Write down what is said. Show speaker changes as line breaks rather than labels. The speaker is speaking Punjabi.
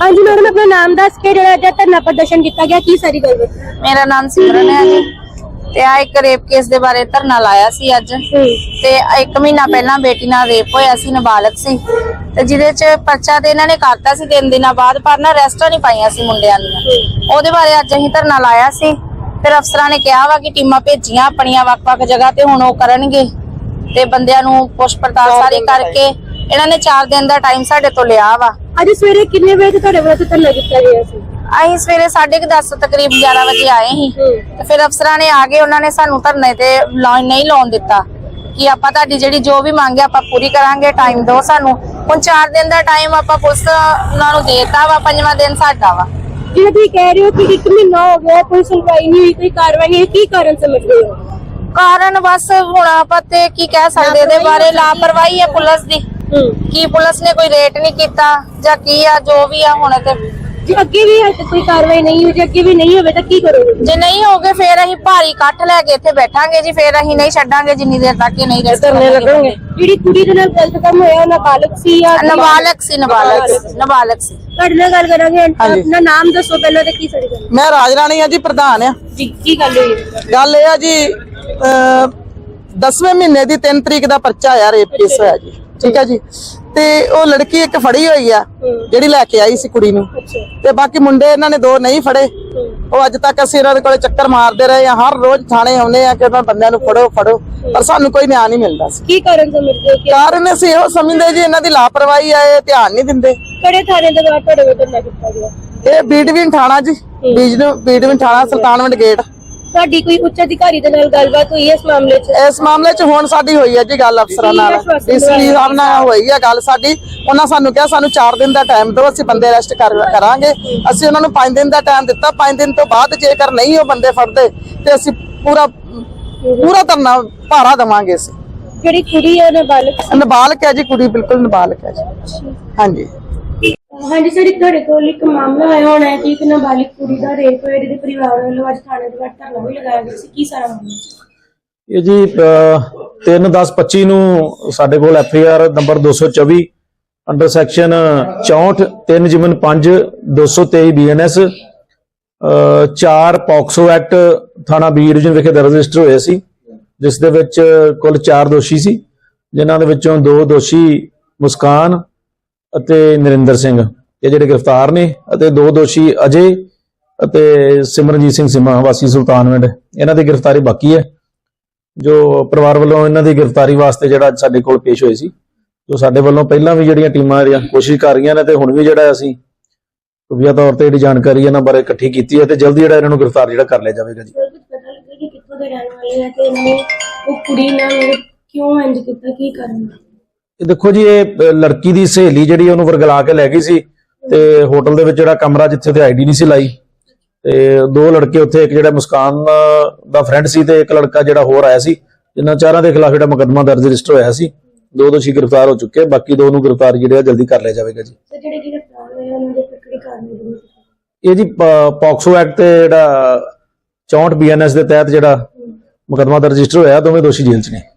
हाँ जी मैडम, अपना नाम दस के जो धरना प्रदर्शन किया गया की सारी गल?
मेरा नाम सिमरन है जी। ते आ एक रेप केस दे बारे धरना लाया सी अज। ते 1 महीना पहला बेटी नाल रेप होया सी, नाबालग सी, ते जिहदे च पर्चा ते इन्हां ने करता सी 3 दिनां बाद, पर ना अरेस्टां नहीं पाईयां सी मुंडियां दी। ओहदे बारे अज असीं धरना लाया सी। फिर अफसरां ने कहा वा कि टीमां भेजियां अपणियां वख-वख जगह ते, हुण ओह करनगे ते बंदियां नूं पुछ पड़ताल सारी करके इन्हां ने 4 दिन दा टाइम साडे तो लिया वा।
अज सवेरे कितने बजे तुहाडे वल्लों धरना दिता गया सी?
ਅਸੀਂ ਸਵੇਰੇ 10:30 ਤਕਰੀਬ 11 ਵਜੇ ਆਏ ਸੀ ਤੇ ਫਿਰ ਅਫਸਰਾਂ ਨੇ ਆ ਕੇ ਉਹਨਾਂ ਨੇ ਸਾਨੂੰ ਧਰਨੇ ਤੇ ਨਹੀਂ ਲਾਉਣ ਦਿੱਤਾ ਕਿ ਆਪਾਂ ਤੁਹਾਡੀ ਜਿਹੜੀ ਜੋ ਵੀ ਮੰਗ ਹੈ ਆਪਾਂ ਪੂਰੀ ਕਰਾਂਗੇ, ਟਾਈਮ ਦਿਓ ਸਾਨੂੰ। ਹੁਣ 4 ਦਿਨ ਦਾ ਟਾਈਮ ਆਪਾਂ ਪੁਲਿਸ ਉਹਨਾਂ ਨੂੰ ਦੇਤਾ ਵਾ, 5ਵਾਂ ਦਿਨ ਸਾਡਾ ਵਾ।
ਜਿਵੇਂ ਤੁਸੀਂ ਕਹਿ ਰਹੇ ਹੋ ਕਿ 1 ਮਹੀਨਾ ਹੋ ਗਿਆ ਕੋਈ ਸੁਣਵਾਈ ਨਹੀਂ ਹੋਈ, ਕੋਈ ਕਾਰਵਾਈ ਨਹੀਂ, ਕੀ ਕਾਰਨ ਸਮਝਦੇ ਹੋ?
ਕਾਰਨ ਬਸ ਹੁਣ ਆਪਾਂ ਤੇ ਕੀ ਕਹਿ ਸਕਦੇ ਇਹਦੇ ਬਾਰੇ, ਲਾਪਰਵਾਹੀ ਹੈ ਪੁਲਿਸ ਦੀ ਕਿ ਪੁਲਿਸ ਨੇ ਕੋਈ ਰੇਟ ਨਹੀਂ ਕੀਤਾ ਜਾਂ ਕੀ ਆ ਜੋ ਵੀ ਆ। ਹੁਣ ਤੇ
ਜੇ ਅੱਗੇ ਵੀ ਕੋਈ ਕਾਰਵਾਈ ਨਹੀਂ ਹੋਈ, ਜੇ ਅੱਗੇ ਵੀ ਨਹੀਂ ਹੋਵੇ ਤਾਂ ਕੀ ਕਰੋਗੇ?
ਜੇ ਨਹੀਂ ਹੋਗੇ ਫਿਰ ਅਸੀਂ ਭਾਰੀ ਇਕੱਠ ਲੈ ਕੇ ਇੱਥੇ ਬੈਠਾਂਗੇ ਜੀ। ਫਿਰ ਅਸੀਂ ਨਹੀਂ ਛੱਡਾਂਗੇ ਜਿੰਨੀ ਦੇਰ ਤੱਕ ਇਹ ਨਹੀਂ
ਧਰਨੇ ਲੱਗਣਗੇ। ਜਿਹੜੀ ਕੁੜੀ ਦੇ ਨਾਲ ਗਲਤ ਕੰਮ ਹੋਇਆ ਨਾਬਾਲਗ ਸੀ ਜਾਂ
ਨਾਬਾਲਗ ਸੀ? ਨਾਬਾਲਗ ਸੀ।
ਤੁਹਾਡੇ ਨਾਲ ਗੱਲ ਕਰਾਂਗੇ। ਆਪਣਾ ਨਾਮ ਦੱਸੋ ਪਹਿਲਾਂ ਤੇ ਕੀ ਸਾਡੀ ਗੱਲ?
मैं राज राणी हाँ जी, प्रधान आ
ਜੀ। ਕੀ ਗੱਲ ਹੋਈ?
गल यह जी 10वें महीने की 3 तरीक का पर्चा आया, रेप केस होया जी। ठीक है जी। ते ओ लड़की एक फड़ी हुई आ जिहड़ी लैके आई सी कुड़ी नूं, ते बाकी मुंडे इन्हां ने 2 नहीं फड़े। ਉਹ ਅੱਜ ਤੱਕ ਅਸੀਂ ਇਹਨਾਂ ਦੇ ਕੋਲੇ ਚੱਕਰ ਮਾਰਦੇ ਰਹੇ ਆ, ਹਰ ਰੋਜ਼ ਥਾਣੇ ਆਉਂਦੇ ਆ ਕਿ ਉਹਨਾਂ ਬੰਦਿਆਂ ਨੂੰ ਫੜੋ ਫੜੋ, ਪਰ ਸਾਨੂੰ ਕੋਈ ਨਿਆਂ ਨਹੀਂ ਮਿਲਦਾ ਸੀ।
ਕੀ ਕਾਰਨ ਸਮਝਦੇ ਹੋ?
ਕਾਰਨ ਅਸੀਂ ਇਹੋ ਸਮਝਦੇ ਜੀ ਇਹਨਾਂ ਦੀ ਲਾਪਰਵਾਹੀ ਆ, ਇਹ ਧਿਆਨ ਨਹੀਂ ਦਿੰਦੇ।
ਕਿਹੜੇ ਥਾਣੇ ਦੇ ਬਾਹਰ ਤੁਹਾਡੇ ਵੱਲੋਂ ਧਰਨਾ ਕੀਤਾ ਗਿਆ?
ਇਹ ਬੀਡਵੀਨ ਥਾਣਾ ਜੀ, ਬੀਡਵੀਨ ਥਾਣਾ, ਸੁਲਤਾਨਵਿੰਡ ਗੇਟ।
ਤੁਹਾਡੀ ਕੋਈ ਉੱਚ ਅਧਿਕਾਰੀ ਦੇ ਨਾਲ ਗੱਲਬਾਤ ਹੋਈ ਇਸ ਮਾਮਲੇ 'ਚ?
ਇਸ ਮਾਮਲੇ 'ਚ ਹੁਣ ਸਾਡੀ ਹੋਈ ਹੈ ਜੀ ਗੱਲ ਅਫਸਰਾਂ ਨਾਲ, ਡੀਸੀਪੀ ਸਾਹਿਬ ਨਾਲ ਹੋਈ ਹੈ ਗੱਲ ਸਾਡੀ। ਉਹਨਾਂ ਸਾਨੂੰ ਕਿਹਾ ਸਾਨੂੰ 4 ਦਿਨ ਦਾ ਟਾਈਮ ਦਿਓ, ਅਸੀਂ ਬੰਦੇ ਅਰੈਸਟ ਕਰਾਂਗੇ। ਅਸੀਂ ਉਹਨਾਂ ਨੂੰ 5 ਦਿਨ ਦਾ ਟਾਈਮ ਦਿੱਤਾ। 5 ਦਿਨ ਤੋਂ ਬਾਅਦ ਜੇਕਰ ਨਹੀਂ ਉਹ ਬੰਦੇ ਫੜਦੇ ਤੇ ਅਸੀਂ ਪੂਰਾ ਧਰਨਾ ਭਾਰਾ ਦੇਵਾਂਗੇ। ਅਸੀਂ
ਜਿਹੜੀ ਕੁੜੀ ਹੈ
ਨਾਬਾਲਗ ਹੈ ਜੀ, ਕੁੜੀ ਬਿਲਕੁਲ ਨਾਬਾਲਗ ਹੈ ਜੀ। ਹਾਂਜੀ
ਹਾਂਜੀ ਸਰ, ਤੁਹਾਡੇ ਕੋਲ ਇੱਕ ਮਾਮਲਾ ਆਇਆ ਹੋਣਾ ਹੈ ਕਿ ਇੱਕ ਨਾਬਾਲਿਗ ਕੁੜੀ ਦਾ ਰੇਪ ਹੋਇਆ, ਜਿਹਦੇ ਪਰਿਵਾਰ ਵੱਲੋਂ ਅੱਜ ਥਾਣੇ ਦੇ ਬਾਹਰ ਧਰਨਾ ਵੀ ਲਗਾਇਆ ਗਿਆ ਸੀ। ਕੀ ਸਾਰਾ ਮਾਮਲਾ
ਇਹ ਜੀ 3/10/25 ਨੂੰ ਸਾਡੇ ਕੋਲ FIR number 224 under section 64 3/5 223 BNS 4 POCSO act ਥਾਣਾ ਬੀ ਡਿਵੀਜ਼ਨ ਵਿਖੇ ਦਰਜ ਰਜਿਸਟਰ ਹੋਇਆ ਸੀ, ਜਿਸ ਦੇ ਵਿੱਚ ਕੁੱਲ 4 ਦੋਸ਼ੀ ਸੀ, ਜਿਨ੍ਹਾਂ ਦੇ ਵਿੱਚੋਂ 2 ਦੋਸ਼ੀ ਮੁਸਕਾਨ ਅਤੇ ਨਰਿੰਦਰ ਸਿੰਘ ਇਹ ਜਿਹੜੇ ਗ੍ਰਿਫਤਾਰ ਨੇ, ਅਤੇ 2 ਦੋਸ਼ੀ ਅਜੇ ਅਤੇ ਸਿਮਰਨਜੀਤ ਸਿੰਘ ਸਿਮਾ ਵਾਸੀ ਸੁਲਤਾਨਵਿੰਡ, ਇਹਨਾਂ ਦੀ ਗ੍ਰਿਫਤਾਰੀ ਬਾਕੀ ਹੈ। ਜੋ ਪਰਿਵਾਰ ਵੱਲੋਂ ਇਹਨਾਂ ਦੀ ਗ੍ਰਿਫਤਾਰੀ ਵਾਸਤੇ ਜਿਹੜਾ ਸਾਡੇ ਕੋਲ ਪੇਸ਼ ਹੋਏ ਸੀ, ਜੋ ਸਾਡੇ ਵੱਲੋਂ ਪਹਿਲਾਂ ਵੀ ਜਿਹੜੀਆਂ ਟੀਮਾਂ ਜਿਹੜੀਆਂ ਕੋਸ਼ਿਸ਼ ਕਰ ਰਹੀਆਂ ਨੇ, ਤੇ ਹੁਣ ਵੀ ਜਿਹੜਾ ਅਸੀਂ ਖੁਫੀਆ ਤੌਰ ਤੇ ਜਿਹੜੀ ਜਾਣਕਾਰੀ ਇਹਨਾਂ ਬਾਰੇ ਇਕੱਠੀ ਕੀਤੀ ਹੈ, ਤੇ ਜਲਦੀ ਜਿਹੜਾ ਇਹਨਾਂ ਨੂੰ ਗ੍ਰਿਫਤਾਰ ਜਿਹੜਾ ਕਰ ਲਿਆ ਜਾਵੇਗਾ ਜੀ।
ਕਿੱਥੋਂ ਦੇ ਰਹਿਣ ਵਾਲੇ ਹੈ ਤੇ ਇਹਨਾਂ ਉਹ ਕੁੜੀ ਨਾਲ ਕਿਉਂ ਇੰਜ ਕੀਤਾ, ਕੀ ਕਰਨ?
ਇਹ ਦੇਖੋ ਜੀ, ਇਹ ਲੜਕੀ ਦੀ ਸਹੇਲੀ ਜਿਹੜੀ ਉਹਨੂੰ ਵਰਗਲਾ ਕੇ ਲੈ ਗਈ ਸੀ, ਤੇ ਹੋਟਲ ਦੇ ਵਿੱਚ ਜਿਹੜਾ ਕਮਰਾ ਜਿੱਥੇ ਤੇ ID ਨਹੀਂ ਸੀ ਲਾਈ, ਤੇ 2 ਲੜਕੇ ਉੱਥੇ, ਇੱਕ ਜਿਹੜਾ ਮੁਸਕਾਨ ਦਾ ਫਰੈਂਡ ਸੀ ਤੇ ਇੱਕ ਲੜਕਾ ਜਿਹੜਾ ਹੋਰ ਆਇਆ ਸੀ, ਜਿਨ੍ਹਾਂ 4 ਦੇ ਖਿਲਾਫ ਜਿਹੜਾ ਮੁਕੱਦਮਾ ਦਰਜ ਰਜਿਸਟਰ ਹੋਇਆ ਸੀ। 2 ਦੋਸ਼ੀ ਗ੍ਰਿਫਤਾਰ ਹੋ ਚੁੱਕੇ, ਬਾਕੀ 2 ਨੂੰ ਗ੍ਰਿਫਤਾਰ ਜਿਹੜਾ ਜਲਦੀ ਕਰ ਲਿਆ ਜਾਵੇਗਾ ਜੀ। ਇਹ ਜੀ ਪੌਕਸੋ ਐਕਟ ਤੇ ਜਿਹੜਾ 64 BNS ਦੇ ਤਹਿਤ ਜਿਹੜਾ ਮੁਕੱਦਮਾ ਦਰਜ ਰਜਿਸਟਰ ਹੋਇਆ, ਦੋਵੇਂ ਦੋਸ਼ੀ ਜੇਲ੍ਹ 'ਚ ਨੇ।